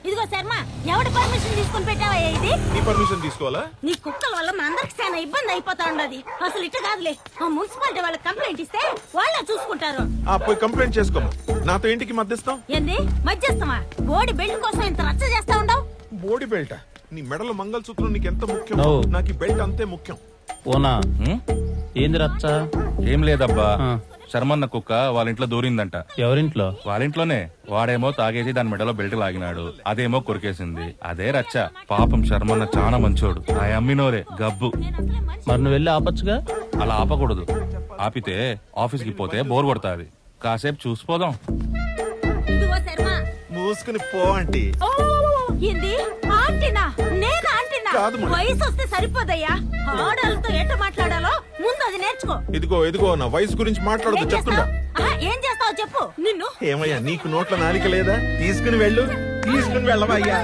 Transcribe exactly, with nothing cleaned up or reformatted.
ఇదిగో శర్మ, ఎవడి పర్మిషన్ తీసుకుని పెట్టావా ఇది? నీ పర్మిషన్ తీసుకోవాలా? నీ కుక్కల వల్ల మా అందరికి చాలా ఇబ్బంది అయిపోతా ఉండదు. అసలు ఇట్ట కాదులే, ఆ మున్సిపాలిటీ వాళ్ళకి కంప్లైంట్ ఇస్తే వాళ్ళే చూసుకుంటారు. ఆ పోయి కంప్లైంట్ చేసుకోము. నాతో ఇంటికి మధ్యస్థం ఏంది మధ్యస్థమా? బోడి బెల్ట్ కోసం ఇంత రచ్చ చేస్తా ఉండవు. బోడి బెల్ట్? నీ మెడలో మంగళసూత్రం నీకు ఎంత ముఖ్యం, ఓ. నాకు ఈ బెల్ట్ అంతే ముఖ్యం. ఓనా ఏంది రచ్చ? ఏం లేదబ్బా, ఆ. శర్మన్న కుక్క వాళ్ళ ఇంట్లో దూరిందంట. ఎవరింట్లో? వాళ్ళ ఇంట్లోనే. వాడేమో తాగేసి దాని మెడలో బెల్ట్ లాగినాడు, అదేమో కొరికేసింది. అదే రచ్చ. పాపం శర్మన్న చాలా మంచోడు. ఆ అమ్మినోరే గబ్బు. మరి నువ్వు వెళ్ళి ఆపచ్చుగా. అలా ఆపకూడదు. ఆపితే ఆఫీస్ కి పోతే బోర్ కొడతాది. కాసేపు చూసిపోదాం. ఇదిగో శర్మ, మూసుకుని పో ఆంటీ. ఓ ఏంది ఆంటీనా? నేను ఆంటీనా? కాదు మరి. వయసు వస్తే సరిపోదయ్యా. ఆడాలతో ఎట్ట మాట్లాడాలో ముందు అది నేర్చుకో. ఇదిగో ఇదిగో నా వయసు గురించి మాట్లాడదు ఏం చెప్తున్నా. చేస్తావ్? ఆహా, ఏం చేస్తావో చెప్పు. నిన్ను ఏమయ్యా నీకు నోట్ల నాలిక లేదా? తీసుకుని వెళ్ళు. తీసుకుని వెళ్ళవయ్యా.